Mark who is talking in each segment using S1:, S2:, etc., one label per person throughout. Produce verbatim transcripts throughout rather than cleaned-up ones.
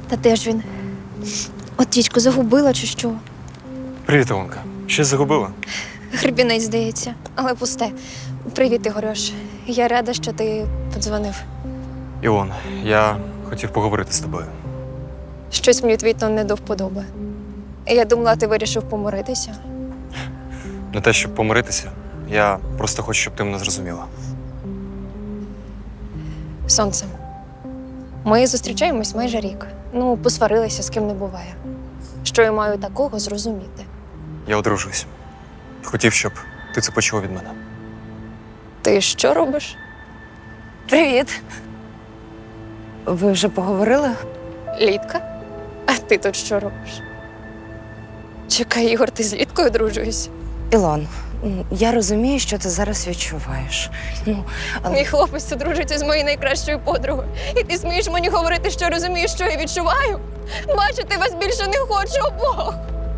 S1: Та де ж він? От тічку загубила чи що?
S2: Привіт, Ілонка. Щось загубила?
S1: Гребінець, здається, але пусте. Привіт, Ігорюш. Я рада, що ти подзвонив.
S2: Ілон, я хотів поговорити з тобою.
S1: Щось мені твій тон не до вподоби. Я думала, ти вирішив помиритися.
S2: Не те, щоб помиритися. Я просто хочу, щоб ти мене зрозуміла.
S1: Сонце. Ми зустрічаємось майже рік. Ну, посварилися, з ким не буває. Що я маю такого зрозуміти?
S2: Я одружуюсь. Хотів, щоб ти це почула від мене.
S1: Ти що робиш?
S3: Привіт. Ви вже поговорили?
S1: Літка? А ти тут що робиш? Чекай, Ігор, ти з Літкою одружуєшся?
S3: Ілон, м, я розумію, що ти зараз відчуваєш. Ну, але
S1: Мій хлопець одружиться з моєю найкращою подругою. І ти смієш мені говорити, що розумієш, що я відчуваю? Бачити вас більше не хочу обох.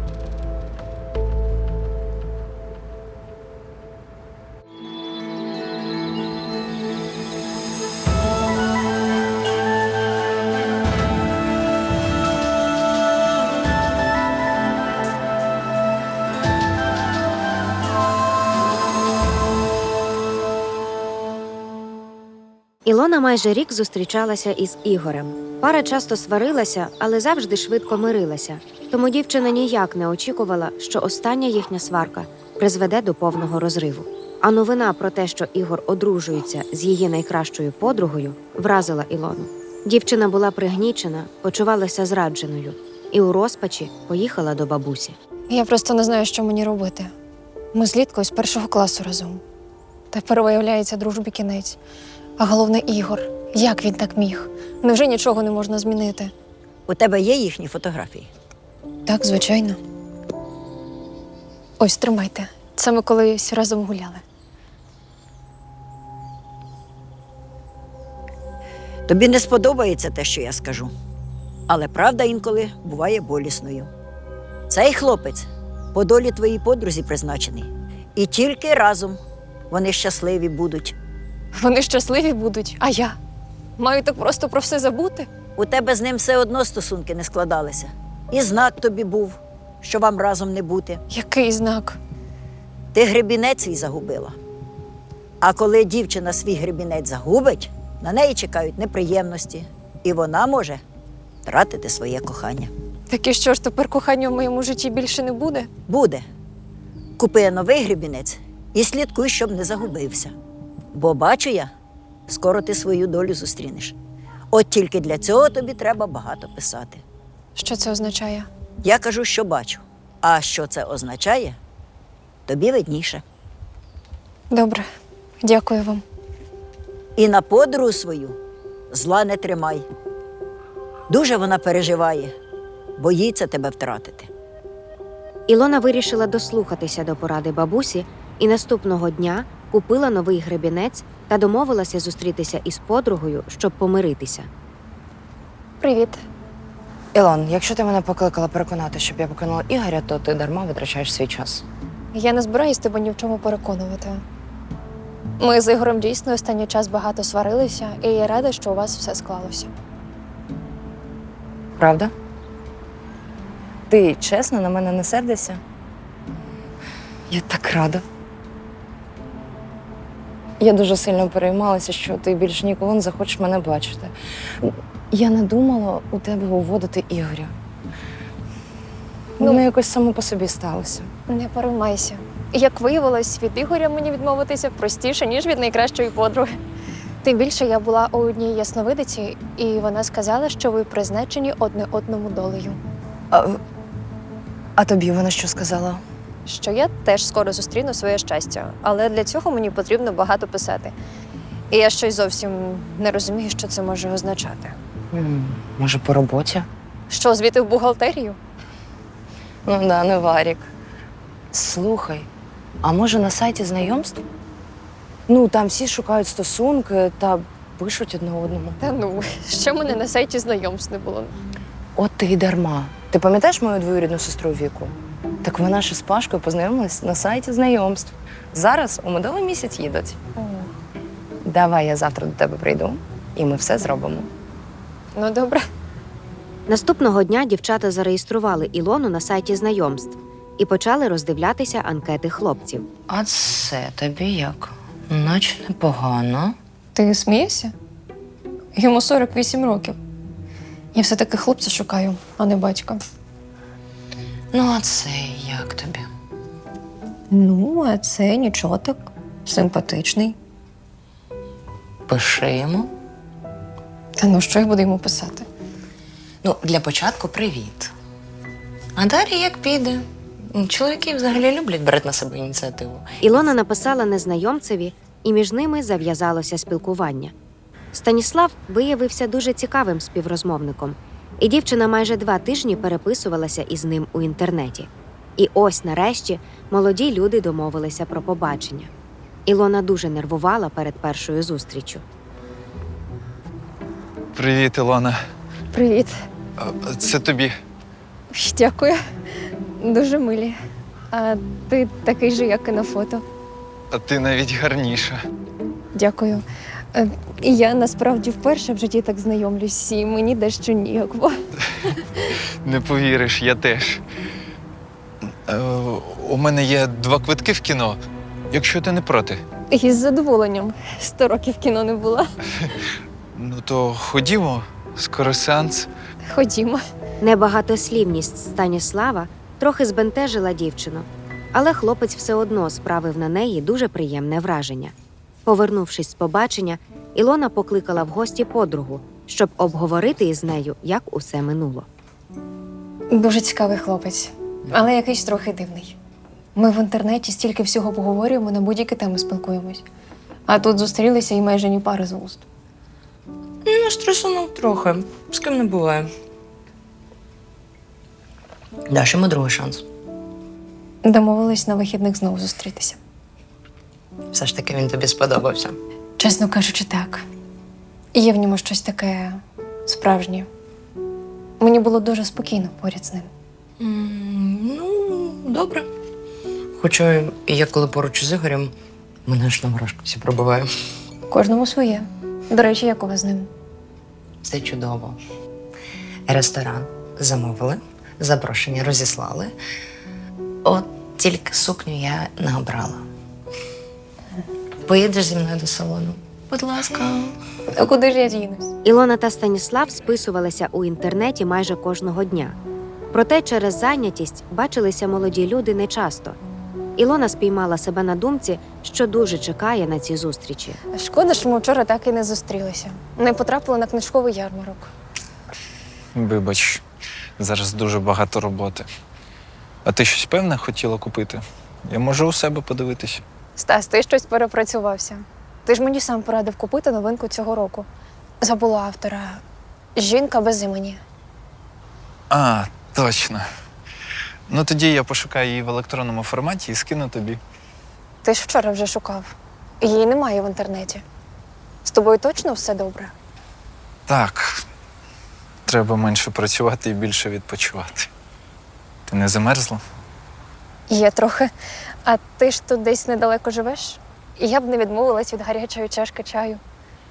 S4: Ілона майже рік зустрічалася із Ігорем. Пара часто сварилася, але завжди швидко мирилася. Тому дівчина ніяк не очікувала, що остання їхня сварка призведе до повного розриву. А новина про те, що Ігор одружується з її найкращою подругою, вразила Ілону. Дівчина була пригнічена, почувалася зрадженою і у розпачі поїхала до бабусі.
S1: Я просто не знаю, що мені робити. Ми з Літкою з першого класу разом. Тепер виявляється дружбі кінець. А головне Ігор. Як він так міг? Невже нічого не можна змінити?
S5: У тебе є їхні фотографії?
S1: Так, звичайно. Ось, тримайте. Це ми колись разом гуляли.
S5: Тобі не сподобається те, що я скажу. Але правда інколи буває болісною. Цей хлопець по долі твоїй подрузі призначений. І тільки разом вони щасливі будуть.
S1: Вони щасливі будуть, а я? Маю так просто про все забути?
S5: У тебе з ним все одно стосунки не складалися. І знак тобі був, що вам разом не бути.
S1: Який знак?
S5: Ти гребінець свій загубила. А коли дівчина свій гребінець загубить, на неї чекають неприємності. І вона може втратити своє кохання.
S1: Так і що ж, тепер кохання в моєму житті більше не буде?
S5: Буде. Купи новий гребінець і слідкуй, щоб не загубився. Бо бачу я, скоро ти свою долю зустрінеш. От тільки для цього тобі треба багато писати.
S1: Що це означає?
S5: Я кажу, що бачу. А що це означає, тобі видніше.
S1: Добре, дякую вам.
S5: І на подругу свою зла не тримай. Дуже вона переживає, боїться тебе втратити.
S4: Ілона вирішила дослухатися до поради бабусі і наступного дня купила новий гребінець та домовилася зустрітися із подругою, щоб помиритися.
S1: Привіт.
S3: Ілон, якщо ти мене покликала переконати, щоб я покинула Ігоря, то ти дарма витрачаєш свій час.
S1: Я не збираюсь тебе ні в чому переконувати. Ми з Ігорем дійсно останній час багато сварилися, і я рада, що у вас все склалося.
S3: Правда? Ти чесно на мене не сердишся? Я так рада. Я дуже сильно переймалася, що ти більше ніколи не захочеш мене бачити. Я не думала у тебе уводити Ігоря. Воно
S1: Ну,
S3: якось само по собі сталося.
S1: Не переймайся. Як виявилось, від Ігоря мені відмовитися простіше, ніж від найкращої подруги. Тим більше я була у одній ясновидиці, і вона сказала, що ви призначені одне одному долею.
S3: А, а тобі вона що сказала?
S1: Що я теж скоро зустріну своє щастя, але для цього мені потрібно багато писати. І я щось зовсім не розумію, що це може означати.
S3: М, може, по роботі?
S1: Що, звідти в бухгалтерію?
S3: Ну да, не варік. Слухай, а може на сайті знайомств? Ну, там всі шукають стосунки та пишуть одне одному.
S1: Та ну, ще мене на сайті знайомств не було.
S3: От ти й дарма. Ти пам'ятаєш мою двоюрідну сестру Віку? Так вона ж із Пашкою познайомилась на сайті знайомств. Зараз у медовий місяць їдуть. Давай я завтра до тебе прийду, і ми все зробимо.
S1: Ну, добре.
S4: Наступного дня дівчата зареєстрували Ілону на сайті знайомств і почали роздивлятися анкети хлопців.
S3: А це тобі як? Наче непогано.
S1: Ти смієшся? Йому сорок вісім років. Я все-таки хлопця шукаю, а не батька.
S3: Ну, а це як тобі?
S1: Ну, а це нічого так. Симпатичний.
S3: Пиши йому.
S1: Та ну, що я буду йому писати?
S3: Ну, для початку привіт. А далі як піде? Чоловіки взагалі люблять брати на себе ініціативу.
S4: Ілона написала незнайомцеві, і між ними зав'язалося спілкування. Станіслав виявився дуже цікавим співрозмовником, і дівчина майже два тижні переписувалася із ним у інтернеті. І ось нарешті молоді люди домовилися про побачення. Ілона дуже нервувала перед першою зустріччю.
S2: Привіт, Ілона.
S1: Привіт.
S2: А, Це тобі.
S1: Дякую. Дуже милі. А ти такий же, як і на фото.
S2: А ти навіть гарніша.
S1: Дякую. Е, І я насправді вперше в житті так знайомлюсь, і мені дещо ніяково.
S2: Не повіриш, я теж. Е, у мене є два квитки в кіно, якщо ти не проти.
S1: І з задоволенням. Сто років в кіно не була.
S2: Ну то ходімо, скоро сеанс.
S1: Ходімо.
S4: Небагатослівність Станіслава трохи збентежила дівчину, але хлопець все одно справив на неї дуже приємне враження. Повернувшись з побачення, Ілона покликала в гості подругу, щоб обговорити із нею, як усе минуло.
S1: Дуже цікавий хлопець, але якийсь трохи дивний. Ми в інтернеті стільки всього поговорюємо, на будь-які теми спілкуємось. А тут зустрілися і майже ні пари з вуст.
S3: Ну, стресунув трохи. З ким не буває. Даш йому другий шанс.
S1: Домовились на вихідних знову зустрітися.
S3: Все ж таки він тобі сподобався.
S1: Чесно кажучи, так. І є в ньому щось таке справжнє. Мені було дуже спокійно поряд з ним.
S3: М, Ну, добре. Хоча я коли поруч із Ігорем, мене ж на мурашках пробиває.
S1: Кожному своє. До речі, як у вас з ним?
S3: Це чудово. Ресторан замовили, запрошення розіслали. От тільки сукню я не обрала. Поїдеш зі мною до салону? Будь ласка.
S1: А куди ж я дінусь?
S4: Ілона та Станіслав списувалися у інтернеті майже кожного дня. Проте через зайнятість бачилися молоді люди нечасто. Ілона спіймала себе на думці, що дуже чекає на ці зустрічі.
S1: Шкода, що ми вчора так і не зустрілися. Не потрапили на книжковий ярмарок.
S2: Вибач, зараз дуже багато роботи. А ти щось певне хотіла купити? Я можу у себе подивитися.
S1: Стас, ти щось перепрацювався. Ти ж мені сам порадив купити новинку цього року. Забула автора. Жінка без імені.
S2: А, точно. Ну тоді я пошукаю її в електронному форматі і скину тобі.
S1: Ти ж вчора вже шукав. Її немає в інтернеті. З тобою точно все добре?
S2: Так. Треба менше працювати і більше відпочивати. Ти не замерзла?
S1: Є трохи. А ти ж тут десь недалеко живеш? І я б не відмовилась від гарячої чашки чаю.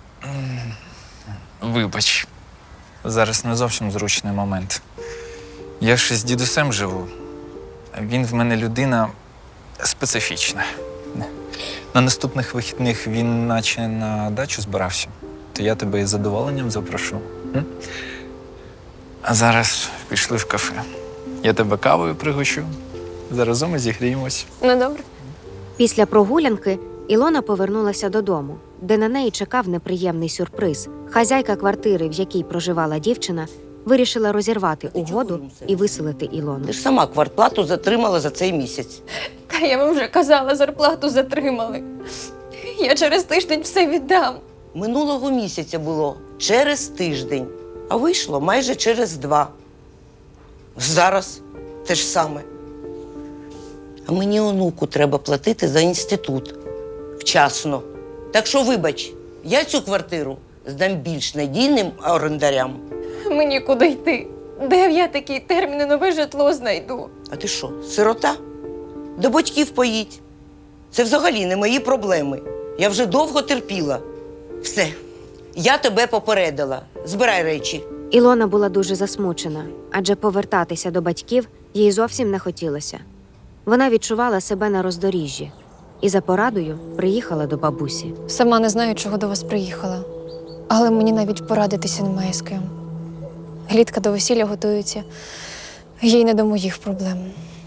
S2: Вибач. Зараз не зовсім зручний момент. Я ж з дідусем живу. А він в мене людина специфічна. На наступних вихідних він наче на дачу збирався. То я тебе із задоволенням запрошу. М? А зараз пішли в кафе. Я тебе кавою пригощу. Заразом і зігріємось.
S1: Ну добре.
S4: Після прогулянки Ілона повернулася додому, де на неї чекав неприємний сюрприз. Хазяйка квартири, в якій проживала дівчина, вирішила розірвати угоду і виселити Ілону.
S6: Ти ж сама квартплату затримала за цей місяць.
S1: Та я вам вже казала, зарплату затримали. Я через тиждень все віддам.
S6: Минулого місяця було через тиждень, а вийшло майже через два. Зараз те ж саме. А мені онуку треба платити за інститут. Вчасно. Так що, вибач, я цю квартиру здам більш надійним орендарям.
S1: Мені куди йти? Де я такі терміни нове житло знайду?
S6: А ти що, сирота? До батьків поїдь. Це взагалі не мої проблеми. Я вже довго терпіла. Все, я тебе попередила. Збирай речі.
S4: Ілона була дуже засмучена, адже повертатися до батьків їй зовсім не хотілося. Вона відчувала себе на роздоріжжі і за порадою приїхала до бабусі.
S1: Сама не знаю, чого до вас приїхала, але мені навіть порадитися немає з ким. Глітка до весілля готується, їй не до моїх проблем.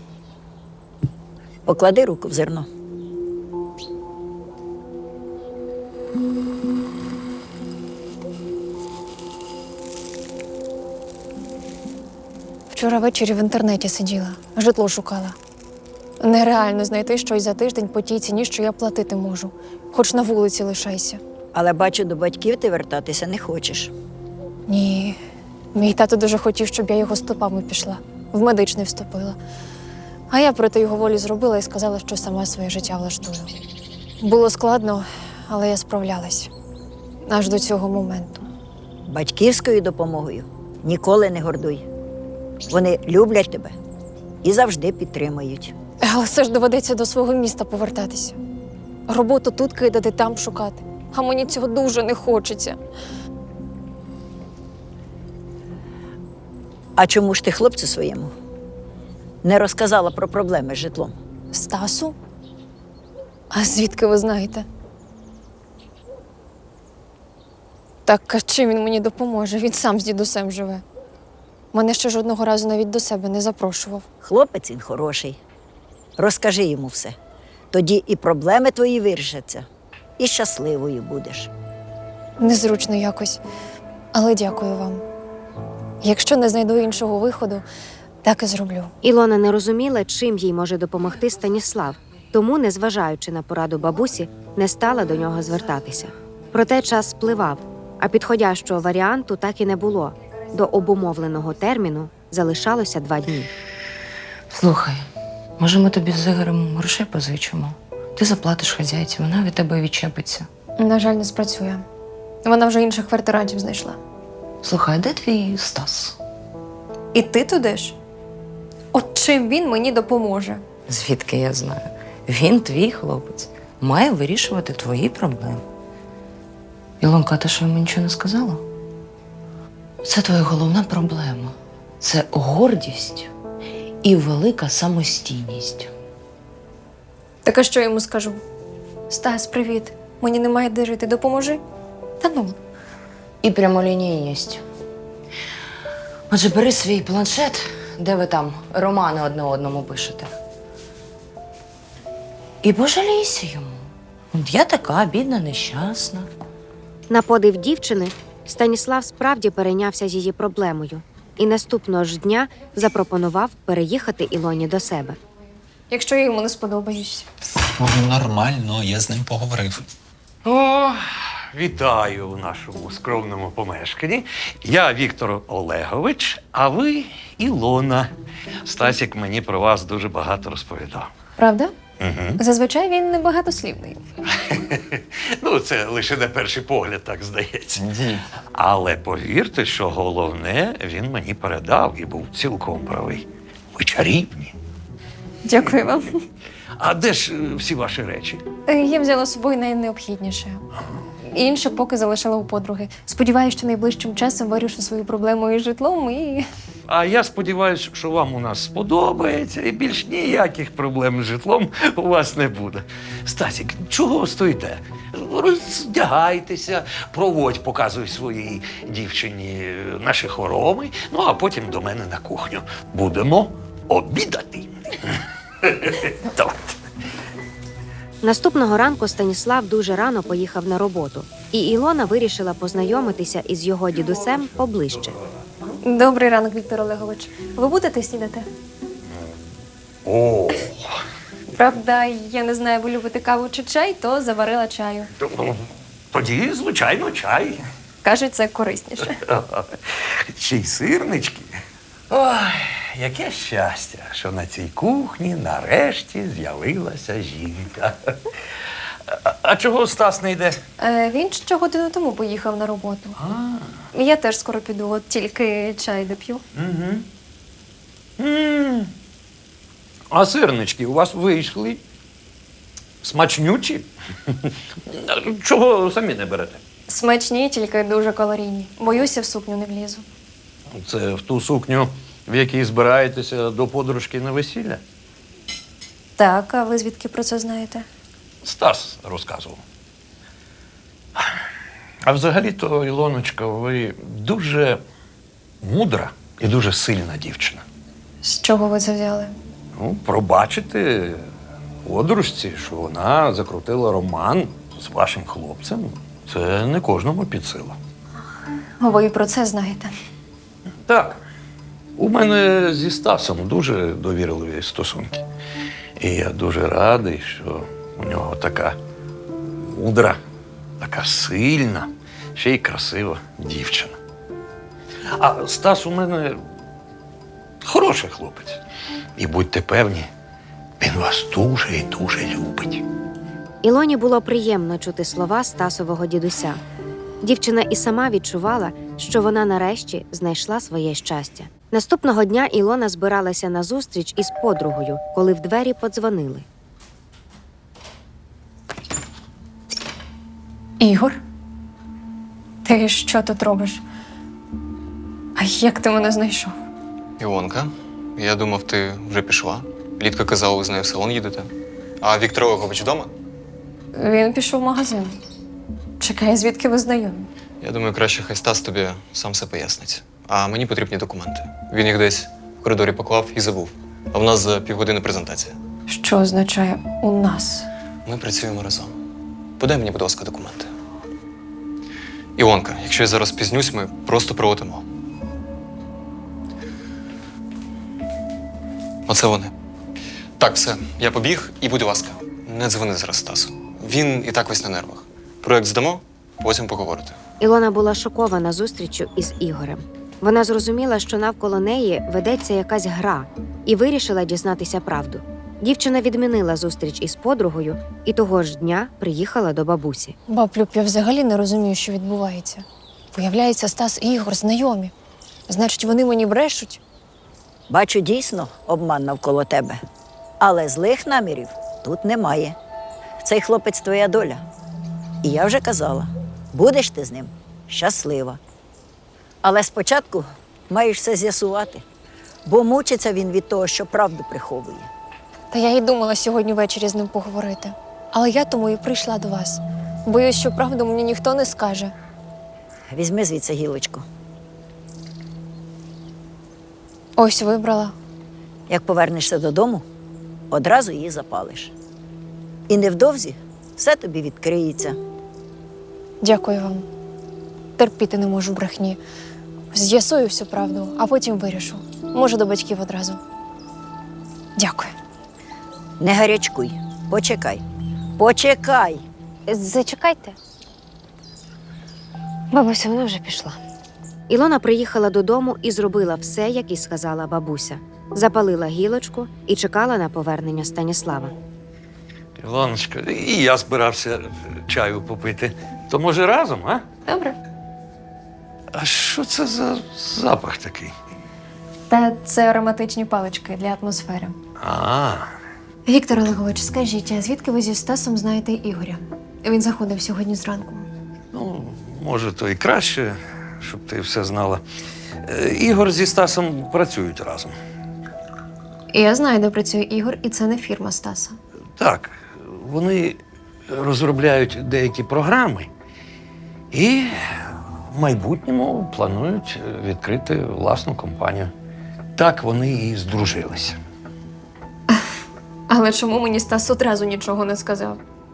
S5: Поклади руку в зерно.
S1: Вчора ввечері в інтернеті сиділа, житло шукала. Нереально знайти щось за тиждень по тій ціні, що я платити можу. Хоч на вулиці лишайся.
S5: Але бачу, до батьків ти вертатися не хочеш.
S1: Ні, мій тато дуже хотів, щоб я його стопами пішла, в медичний вступила. А я проти його волі зробила і сказала, що сама своє життя влаштую. Було складно, але я справлялась. Аж до цього моменту.
S5: Батьківською допомогою ніколи не гордуй. Вони люблять тебе і завжди підтримують.
S1: Але все ж доведеться до свого міста повертатися. Роботу тут кидати, там шукати. А мені цього дуже не хочеться.
S5: А чому ж ти хлопцю своєму не розказала про проблеми з житлом?
S1: Стасу? А звідки ви знаєте? Так а чим він мені допоможе? Він сам з дідусем живе. Мене ще жодного разу навіть до себе не запрошував.
S5: Хлопець він хороший. Розкажи йому все. Тоді і проблеми твої вирішаться, і щасливою будеш.
S1: Незручно якось, але дякую вам. Якщо не знайду іншого виходу, так і зроблю.
S4: Ілона не розуміла, чим їй може допомогти Станіслав, тому, незважаючи на пораду бабусі, не стала до нього звертатися. Проте час спливав, а підходящого варіанту так і не було. До обумовленого терміну залишалося два дні.
S3: Слухай, може ми тобі з Ігорем грошей позичимо? Ти заплатиш хазяйці, вона від тебе відчепиться.
S1: На жаль, не спрацює. Вона вже інших квартирантів знайшла.
S3: Слухай, а де твій Стас?
S1: І ти туди ж? От чим він мені допоможе?
S3: Звідки я знаю? Він твій хлопець. Має вирішувати твої проблеми. Ілонка, а ти що йому нічого не сказала? Це твоя головна проблема. Це гордість і велика самостійність.
S1: Так а що йому скажу? Стас, привіт. Мені немає де жити, допоможи. Та ну.
S3: І прямолінійність. Отже, бери свій планшет, де ви там романи одне одному пишете. І пожалійся йому. От я така бідна, нещасна.
S4: На подив дівчини, Станіслав справді перейнявся її проблемою і наступного ж дня запропонував переїхати Ілоні до себе.
S1: Якщо я йому не сподобаюсь.
S2: Ну, нормально, я з ним поговорив.
S7: О, вітаю у нашому скромному помешканні. Я Віктор Олегович, а ви Ілона. Стасік мені про вас дуже багато розповідав.
S1: Правда?
S7: Угу.
S1: Зазвичай він небагатослівний.
S7: Ну, це лише на перший погляд, так здається.
S2: Ні.
S7: Але повірте, що головне він мені передав і був цілком правий. Ви чарівні.
S1: Дякую вам.
S7: А де ж е, всі ваші речі?
S1: Я взяла з собою найнеобхідніше. Інше поки залишила у подруги. Сподіваюся, що найближчим часом вирішу свою проблему із житлом і...
S7: А я сподіваюся, що вам у нас сподобається і більш ніяких проблем з житлом у вас не буде. Стасік, чого ви стоїте? Роздягайтеся, проводь, показуй своїй дівчині наші хороми, ну а потім до мене на кухню. Будемо обідати. Давайте.
S4: Наступного ранку Станіслав дуже рано поїхав на роботу, і Ілона вирішила познайомитися із його дідусем поближче.
S1: Добрий ранок, Віктор Олегович. Ви будете снідати?
S7: О,
S1: Правда, я не знаю, ви любите каву чи чай, то заварила чаю.
S7: ну, тоді, звичайно, чай.
S1: Кажуть, це корисніше.
S7: Ще й сирнички. Ой, яке щастя, що на цій кухні нарешті з'явилася жінка. А, а чого Стас не йде?
S1: Е, він ще годину тому поїхав на роботу.
S7: А,
S1: Я теж скоро піду, от тільки чай доп'ю.
S7: угу. М. А сирнички у вас вийшли? Смачнючі? Чого самі не берете?
S1: Смачні, тільки дуже калорійні. Боюся, в сукню не влізу.
S7: Це в ту сукню, в якій збираєтеся до подружки на весілля?
S1: Так, а ви звідки про це знаєте?
S7: Стас розказував. А взагалі-то, Ілоночка, ви дуже мудра і дуже сильна дівчина.
S1: З чого ви це взяли?
S7: Ну, пробачити подружці, що вона закрутила роман з вашим хлопцем, це не кожному під силу.
S1: Ви і про це знаєте.
S7: Так. У мене зі Стасом дуже довірливі стосунки. І я дуже радий, що у нього така мудра, така сильна, ще й красива дівчина. А Стас у мене хороший хлопець. І будьте певні, він вас дуже і дуже любить.
S4: Ілоні було приємно чути слова Стасового дідуся. Дівчина і сама відчувала, що вона нарешті знайшла своє щастя. Наступного дня Ілона збиралася на зустріч із подругою, коли в двері подзвонили.
S1: Ігор? Ти що тут робиш? А як ти мене знайшов?
S8: Ілонка, я думав, ти вже пішла. Лідка казала, ви з нею в салон їдете. А Віктор Олегович вдома?
S1: Він пішов в магазин. Чекай, звідки ви знайомі?
S8: Я думаю, краще хай Стас тобі сам все пояснить. А мені потрібні документи. Він їх десь в коридорі поклав і забув. А в нас за півгодини презентація.
S1: Що означає «у нас»?
S8: Ми працюємо разом. Подай мені, будь ласка, документи. Ілонка, якщо я зараз пізнюсь, ми просто пролетимо. Оце вони. Так, все, я побіг і, будь ласка, не дзвони зараз Стасу. Він і так весь на нервах. Проект здамо, потім поговорите.
S4: Ілона була шокована зустріччю із Ігорем. Вона зрозуміла, що навколо неї ведеться якась гра, і вирішила дізнатися правду. Дівчина відмінила зустріч із подругою і того ж дня приїхала до бабусі.
S1: Баб Люб, я взагалі не розумію, що відбувається. Виявляється, Стас і Ігор знайомі. Значить, вони мені брешуть?
S5: Бачу, дійсно обман навколо тебе. Але злих намірів тут немає. Цей хлопець твоя доля. І я вже казала, будеш ти з ним щаслива. Але спочатку маєш все з'ясувати, бо мучиться він від того, що правду приховує.
S1: Та я й думала сьогодні ввечері з ним поговорити. Але я тому і прийшла до вас. Боюсь, що правду мені ніхто не скаже.
S5: Візьми звідси гілочку.
S1: Ось вибрала.
S5: Як повернешся додому, одразу її запалиш. І невдовзі все тобі відкриється.
S1: Дякую вам. Терпіти не можу брехні. З'ясую всю правду, а потім вирішу. Може, до батьків одразу. Дякую.
S5: Не гарячкуй, почекай. Почекай!
S1: Зачекайте.
S4: Бабуся, вона вже пішла. Ілона приїхала додому і зробила все, як і сказала бабуся. Запалила гілочку і чекала на повернення Станіслава.
S7: Ілоночка, і я збирався чаю попити. То може разом, а?
S1: Добре.
S7: А що це за запах такий?
S1: Та це ароматичні палички для атмосфери.
S7: А,
S1: Віктор Олегович, скажіть, а звідки ви зі Стасом знаєте Ігоря? Він заходив сьогодні зранку.
S7: ну, може, то і краще, щоб ти все знала. Е, Ігор зі Стасом працюють разом.
S1: І я знаю, де працює Ігор, і це не фірма Стаса.
S7: Так, вони розробляють деякі програми і в майбутньому планують відкрити власну компанію. Так вони і здружилися.
S1: Але чому мені Стас одразу нічого не сказав?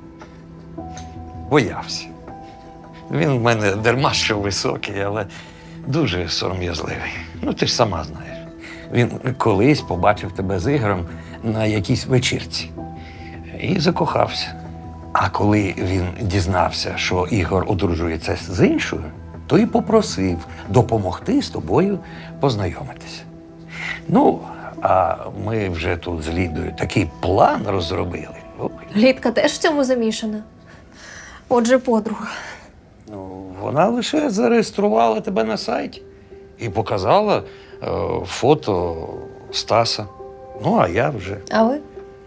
S7: Боявся. Він в мене дарма що високий, але дуже сором'язливий. Ну, ти ж сама знаєш. Він колись побачив тебе з Ігорем на якійсь вечірці і закохався. А коли він дізнався, що Ігор одружується з іншою, то і попросив допомогти з тобою познайомитися. Ну, а ми вже тут з Лідою такий план розробили. Ой.
S1: Лідка теж в цьому замішана. Отже, подруга.
S7: Ну, вона лише зареєструвала тебе на сайті і показала е, фото Стаса. Ну, а я вже
S1: А ви?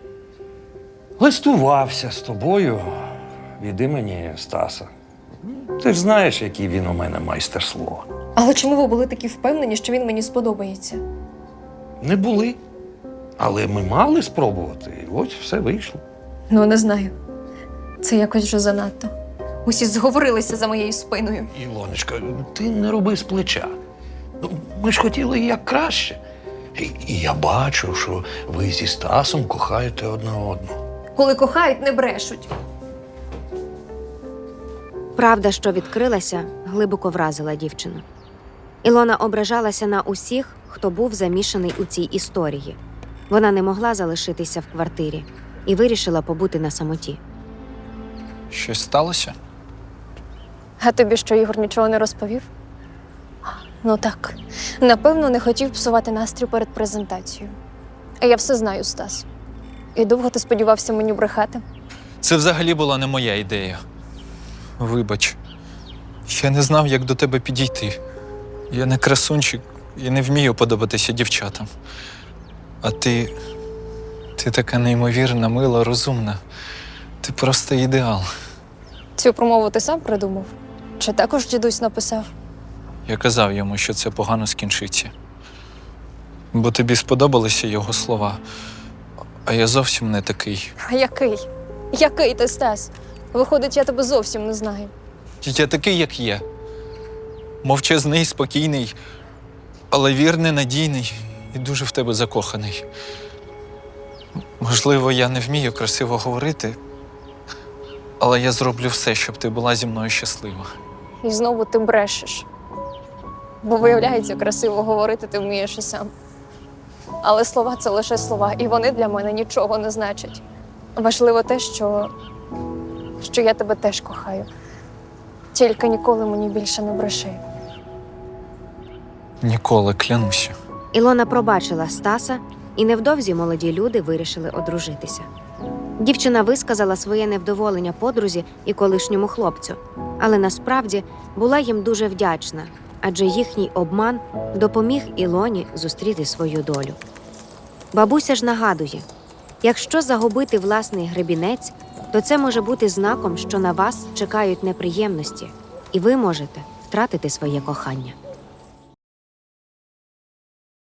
S7: листувався з тобою від імені Стаса. Ти ж знаєш, який він у мене майстер слова.
S1: Але чому ви були такі впевнені, що він мені сподобається?
S7: Не були. Але ми мали спробувати, і ось все вийшло.
S1: Ну, не знаю. Це якось вже занадто. Усі зговорилися за моєю спиною.
S7: Ілоночка, ти не роби з плеча. Ну, ми ж хотіли як краще. І, і я бачу, що ви зі Стасом кохаєте одне одного.
S1: Коли кохають, не брешуть.
S4: Правда, що відкрилася, глибоко вразила дівчину. Ілона ображалася на усіх, хто був замішаний у цій історії. Вона не могла залишитися в квартирі і вирішила побути на самоті.
S2: Щось сталося?
S1: А тобі що, Ігор нічого не розповів? Ну так. Напевно, не хотів псувати настрій перед презентацією. А я все знаю, Стас. І довго ти сподівався мені брехати?
S2: Це взагалі була не моя ідея. Вибач, я не знав, як до тебе підійти. Я не красунчик і не вмію подобатися дівчатам. А ти. ти така неймовірна, мила, розумна. Ти просто ідеал.
S1: Цю промову ти сам придумав? Чи також дідусь написав?
S2: Я казав йому, що це погано скінчиться. Бо тобі сподобалися його слова, а я зовсім не такий.
S1: А який? Який ти, Стас? Виходить, я тебе зовсім не знаю.
S2: Я такий, як є. Мовчазний, спокійний, але вірний, надійний і дуже в тебе закоханий. Можливо, я не вмію красиво говорити, але я зроблю все, щоб ти була зі мною щаслива.
S1: І знову ти брешеш. Бо, виявляється, красиво говорити ти вмієш і сам. Але слова – це лише слова, і вони для мене нічого не значать. Важливо те, що, що я тебе теж кохаю. Тільки ніколи мені більше не бреши.
S2: Ніколи, клянуся.
S4: Ілона пробачила Стаса, і невдовзі молоді люди вирішили одружитися. Дівчина висказала своє невдоволення подрузі і колишньому хлопцю, але насправді була їм дуже вдячна, адже їхній обман допоміг Ілоні зустріти свою долю. Бабуся ж нагадує, якщо загубити власний гребінець, то це може бути знаком, що на вас чекають неприємності, і ви можете втратити своє кохання.